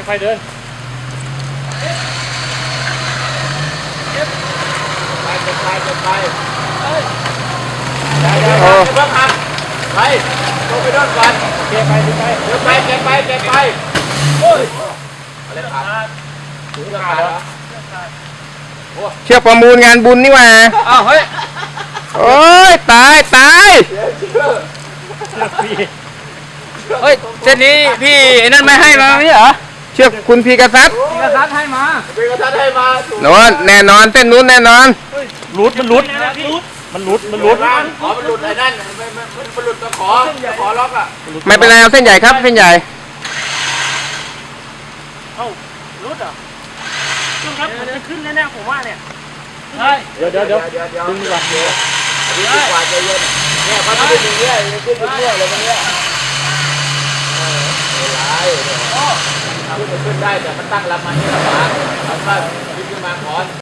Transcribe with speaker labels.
Speaker 1: ค่อยเดินไปได้เพิ่งหักไปลงไปโดนก่อนเก็บไปเดี๋ยวไปเก็บไปโอ้ยอะไรขาดถึงขาดเหรอ
Speaker 2: เชือกประมูลงานบุญนี่หว่า
Speaker 1: อ้าวเฮ้ย
Speaker 2: โอ้ยตาย
Speaker 1: เฮ้ยเส้นนี้พี่ไอ้นั่นไม่ให้มาไม่เหรอ
Speaker 2: เชือกคุณพีกษัตริย์
Speaker 1: ให้มา
Speaker 2: โน่นแน่นอนเส้นนู้นแน่นอน
Speaker 1: มันหลุดอ๋อมันหลุดไอ้นั่นมันหลุดมาขอล็อกอ่ะ
Speaker 2: ไม่เป็นไรเอาเส้นใหญ่ครับเส้นใหญ่
Speaker 3: เอ้ารุดเหรอขึ้นครับมันจะขึ้นแน่ๆผมว่าเนี่ย
Speaker 1: ใช่เดี๋ยวดึงดีกว่าดีกว่าใจเย็นเนี่ยมันขึ้นอย่างเงี้ยขึ้นเรื่อยเลยมันเนี่ยขึ้นได้แต่มันตั้งลำมานี่ลำบากเอาขึ้นมาก่อน